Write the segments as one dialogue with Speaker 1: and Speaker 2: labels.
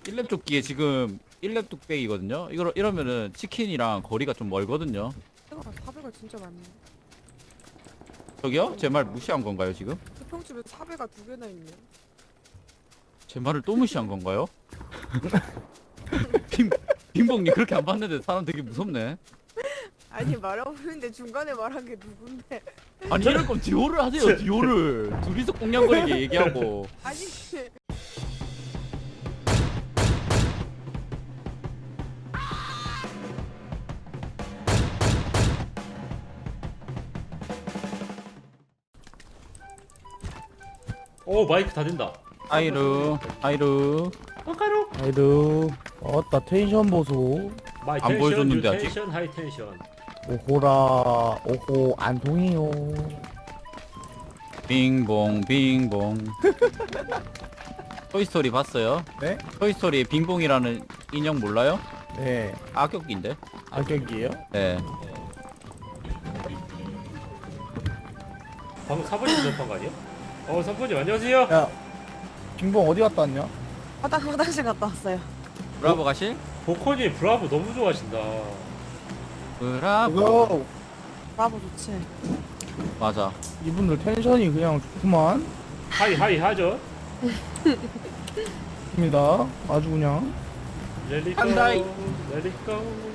Speaker 1: 1렙 조끼에 지금 1렙 뚝배기거든요. 이러면은 치킨이랑 거리가 좀 멀거든요.
Speaker 2: 4배가 진짜 많네.
Speaker 1: 저기요? 제 말 무시한 건가요 지금?
Speaker 2: 수평집에 4배가 2개나 있네.
Speaker 1: 제 말을 또 무시한 건가요? 빈봉님 그렇게 안 봤는데 사람 되게 무섭네.
Speaker 2: 아니 말해보는데 중간에 말한 게 누군데?
Speaker 1: 아니 이럴 거면 듀오를 하세요. 듀오를 둘이서 꽁냥거리게 얘기하고.
Speaker 2: 아니
Speaker 3: 오 마이크 다 된다.
Speaker 1: 아이루 아이루.
Speaker 3: 빡가루.
Speaker 4: 아이루 어따 텐션 보소.
Speaker 3: 마이
Speaker 1: 안
Speaker 3: 텐션,
Speaker 1: 보여줬는데,
Speaker 3: 유
Speaker 1: 아직.
Speaker 3: 텐션, 하이 텐션.
Speaker 4: 오호라 오호 안 통해요.
Speaker 1: 빙봉 빙봉. 토이스토리 봤어요?
Speaker 4: 네?
Speaker 1: 토이스토리에 빙봉이라는 인형 몰라요?
Speaker 4: 네.
Speaker 1: 악역인데?
Speaker 4: 악역이에요?
Speaker 1: 네.
Speaker 3: 방금 사번님 접한 거 아니야? 사번님 안녕하세요.
Speaker 4: 야 빙봉 어디 갔다 왔냐?
Speaker 2: 화장실 갔다 왔어요.
Speaker 1: 브라보 가실?
Speaker 3: 보커님 브라보 너무 좋아하신다.
Speaker 1: 브라보.
Speaker 4: 그거
Speaker 2: 브라보 좋지.
Speaker 1: 맞아.
Speaker 4: 이분들 텐션이 그냥 좋구만.
Speaker 3: 하이 하죠.
Speaker 4: 입니다. 아주 그냥.
Speaker 3: 렐리고
Speaker 1: 한다이.
Speaker 3: 렐리고.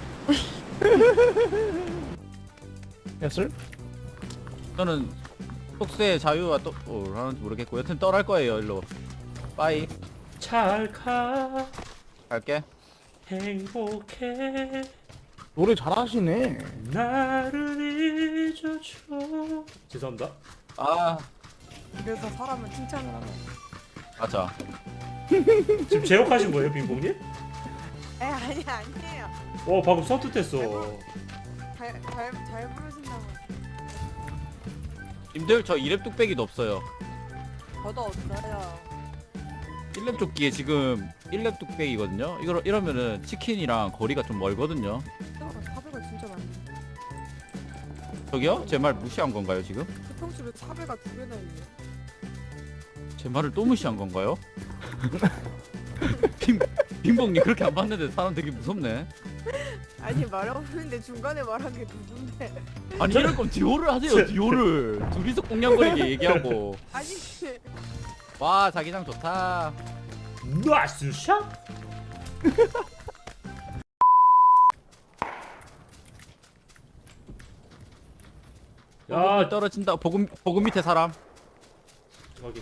Speaker 4: 했을?
Speaker 1: 저는 속세의 자유와 또 하는지 모르겠고 여튼 떠날 거예요. 일로. 빠이.
Speaker 3: 찰카
Speaker 1: 갈게.
Speaker 3: 행복해
Speaker 4: 노래 잘하시네.
Speaker 3: 나를 잊어줘. 죄송합니다.
Speaker 1: 아
Speaker 2: 그래서 사람은 칭찬을 하면.
Speaker 1: 맞아.
Speaker 3: 지금 제욕하신 거예요, 빙봉님?
Speaker 2: 에 아니에요.
Speaker 3: 방금 선뜻했어.
Speaker 2: 잘 부르신다고.
Speaker 1: 님들 저 2렙 뚝배기도 없어요.
Speaker 2: 저도 없어요.
Speaker 1: 1렙 조끼에 지금 1렙 뚝배기거든요. 이러면은 치킨이랑 거리가 좀 멀거든요.
Speaker 2: 4배가 진짜 많네.
Speaker 1: 저기요? 제 말 무시한 건가요 지금?
Speaker 2: 수평집에 4배가 2개나 있네.
Speaker 1: 제 말을 또 무시한 건가요? 빈봉님 그렇게 안 봤는데 사람 되게 무섭네.
Speaker 2: 아니 말해보는데 중간에 말한 게 누군데?
Speaker 1: 아니 이럴 거면 듀오를 하세요. 듀오를 둘이서 꽁냥거리게 얘기하고.
Speaker 2: 아니
Speaker 1: 와 자기장 좋다.
Speaker 3: 나이스 샷. 야,
Speaker 1: 떨어진다. 보급 밑에 사람.
Speaker 3: 저기.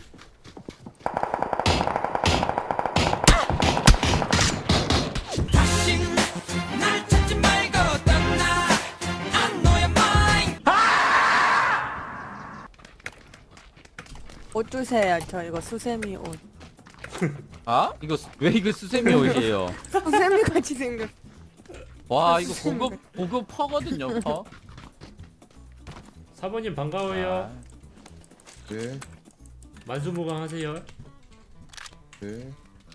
Speaker 2: 옷 주세요. 저 이거 수세미 옷.
Speaker 1: 아? 왜 이거 수세미 옷이에요?
Speaker 2: 수세미 같이 생겼.
Speaker 1: 와 이거 고급 퍼거든요. 퍼.
Speaker 3: 사모님 반가워요.
Speaker 5: 네,
Speaker 3: 만수무강하세요.
Speaker 5: 네.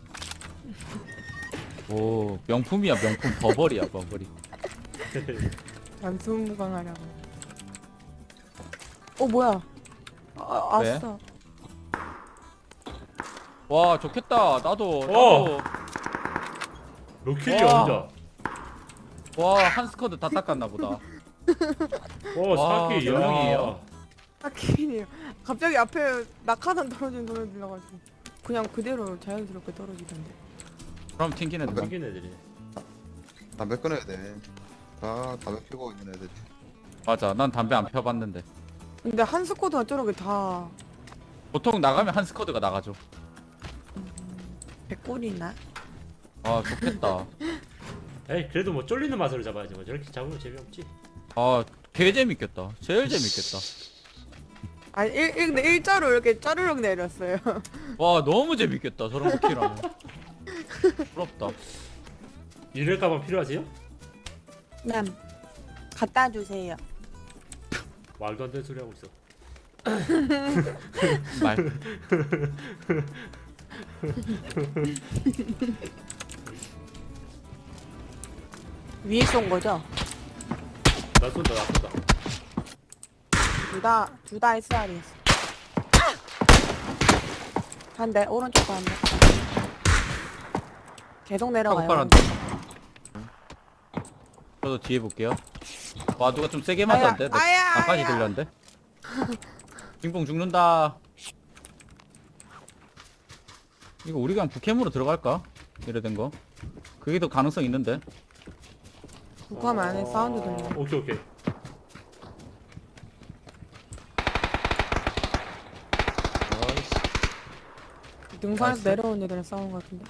Speaker 1: 오 명품이야 명품. 버버리야 버버리.
Speaker 2: 단순무강하라고. 뭐야?
Speaker 1: 왜?
Speaker 2: 아싸.
Speaker 1: 와 좋겠다. 나도.
Speaker 3: 로킬이야
Speaker 1: 와.
Speaker 3: 혼자.
Speaker 1: 와 한 스쿼드 다 닦았나 보다. 와,
Speaker 3: 사키
Speaker 1: 몇 명이에요?
Speaker 3: 야.
Speaker 2: 딱히요. 갑자기 앞에 낙하산 떨어진 소리 들려가지고 그냥 그대로 자연스럽게 떨어지던데.
Speaker 1: 그럼 튕기는 데
Speaker 3: 생긴 애들이.
Speaker 5: 담배 끊어야 돼. 다 담배 피고 있는 애들.
Speaker 1: 맞아. 난 담배 안 펴봤는데.
Speaker 2: 근데 한 스쿼드가 저렇게 다
Speaker 1: 보통 나가면 한 스쿼드가 나가죠.
Speaker 2: 100골이나?
Speaker 1: 아 좋겠다.
Speaker 3: 에이 그래도 뭐 쫄리는 맛으로 잡아야지. 뭐 저렇게 잡으면 재미없지.
Speaker 1: 아 개 재밌겠다. 제일 재밌겠다.
Speaker 2: 아니 근데 일자로 이렇게 짜르륵 내렸어요.
Speaker 1: 와 너무 재밌겠다. 저런 거 키라면. 부럽다.
Speaker 3: 이럴까봐 필요하세요?
Speaker 2: 남 갖다 주세요.
Speaker 3: 말도 안 되는 소리 하고 있어.
Speaker 1: 말.
Speaker 2: 위에 쏜 거죠?
Speaker 3: 나 쏜다.
Speaker 2: 둘다 SR이었어. 한 대, 오른쪽도 한 대. 계속
Speaker 1: 하고
Speaker 2: 내려가요.
Speaker 1: 팔았는데. 저도 뒤에 볼게요. 와 누가 좀 세게 맞았는데? 나
Speaker 2: 아야,
Speaker 1: 나까지
Speaker 2: 아야.
Speaker 1: 들렸는데? 빙봉 죽는다. 이거 우리 그냥 북캠으로 들어갈까? 이래 된 거. 그게 더 가능성 있는데.
Speaker 2: 북하면 안에 사운드 들려.
Speaker 3: 오케이 오케이.
Speaker 5: 아이씨.
Speaker 2: 능선에서
Speaker 1: 나이스.
Speaker 2: 내려온 애들이랑 싸운 것 같은데.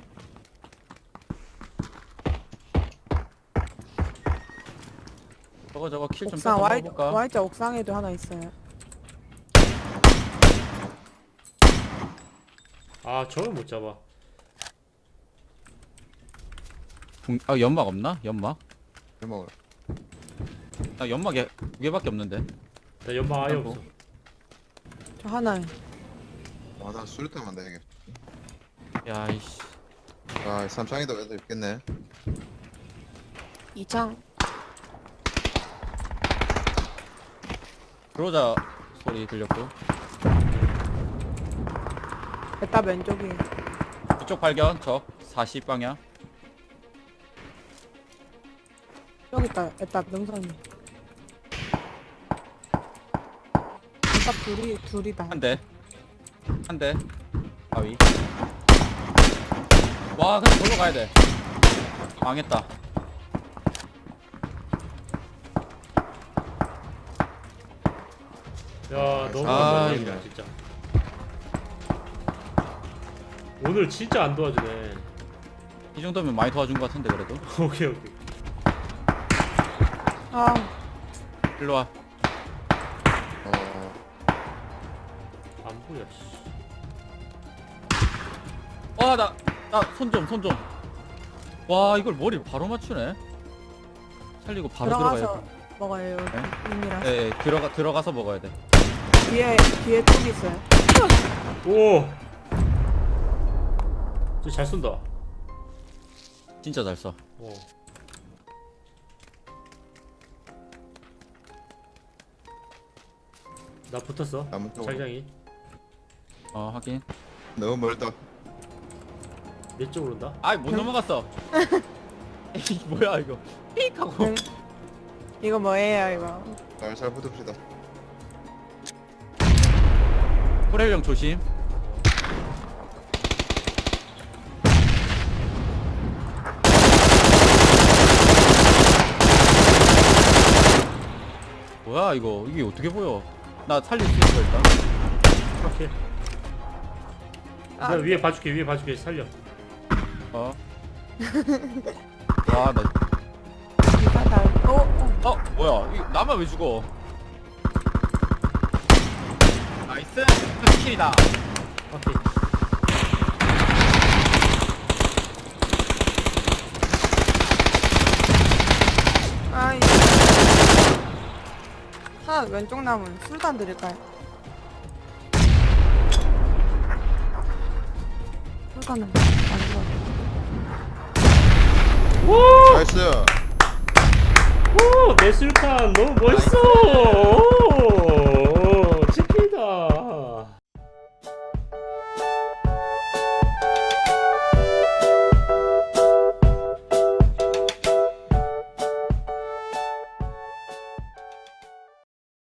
Speaker 1: 저거 킬 좀
Speaker 2: 옥상
Speaker 1: 뺏어
Speaker 2: Y
Speaker 1: 먹어볼까?
Speaker 2: Y자 옥상에도 하나 있어요.
Speaker 3: 아 저걸 못 잡아.
Speaker 1: 아 연막 없나? 연막?
Speaker 5: 잘 먹어요.
Speaker 1: 나 연막에 2개밖에 없는데.
Speaker 3: 나 연막 아예
Speaker 1: 아이고.
Speaker 3: 없어.
Speaker 2: 저 하나에.
Speaker 5: 나 수류탄 만다 이게.
Speaker 1: 야 이씨.
Speaker 5: 아 삼창이도 애들 있겠네.
Speaker 2: 이창.
Speaker 1: 그러자 소리 들렸고.
Speaker 2: 에따 왼쪽이.
Speaker 1: 이쪽 발견. 적 40방향.
Speaker 2: 여기 있다. 에따 능선이. 에따 둘이다.
Speaker 1: 한 대. 한 대. 바위. 와 그냥 걸로 가야 돼. 망했다.
Speaker 3: 야 너무
Speaker 1: 아,
Speaker 3: 안도와주네
Speaker 1: 이거.
Speaker 3: 진짜. 오늘 진짜 안 도와주네.
Speaker 1: 이 정도면 많이 도와준 것 같은데 그래도.
Speaker 3: 오케이 오케이.
Speaker 2: 아,
Speaker 1: 일로 와.
Speaker 3: 안 보여. 씨.
Speaker 1: 나 손 좀. 와 이걸 머리를 바로 맞추네. 살리고 바로
Speaker 2: 들어가서
Speaker 1: 들어가야
Speaker 2: 먹어요. 여기
Speaker 1: 네?
Speaker 2: 인이라.
Speaker 1: 돼. 들어가서 먹어야 돼.
Speaker 2: 뒤에 뚝 있어요.
Speaker 3: 오. 쟤잘 쏜다.
Speaker 1: 진짜 잘 써.
Speaker 3: 어. 나 붙었어.
Speaker 5: 나무 쪽으로.
Speaker 3: 자기장이
Speaker 1: 확인.
Speaker 5: 너무 멀다.
Speaker 3: 내 쪽으로 온다.
Speaker 1: 아이 못 넘어갔어. 에이 뭐야 이거. 삑 하고.
Speaker 2: 응. 이거 뭐예요 이거?
Speaker 5: 잘 붙읍시다.
Speaker 1: 호렐령 조심. 뭐야 이거 이게 어떻게 보여? 나 살릴 수 있어 일단.
Speaker 3: 오케이.
Speaker 2: 아.
Speaker 3: 내가 위에 봐줄게 살려.
Speaker 1: 와 나.
Speaker 2: 이사달.
Speaker 1: 뭐야 이거 나만 왜 죽어? 나이스 스킬이다.
Speaker 3: 오케이.
Speaker 2: 아이. 하나 왼쪽 남은 술단 드릴까요? 술단은 안 좋아.
Speaker 5: 나이스.
Speaker 3: 오, 내 술탄 너무 멋있어. 오.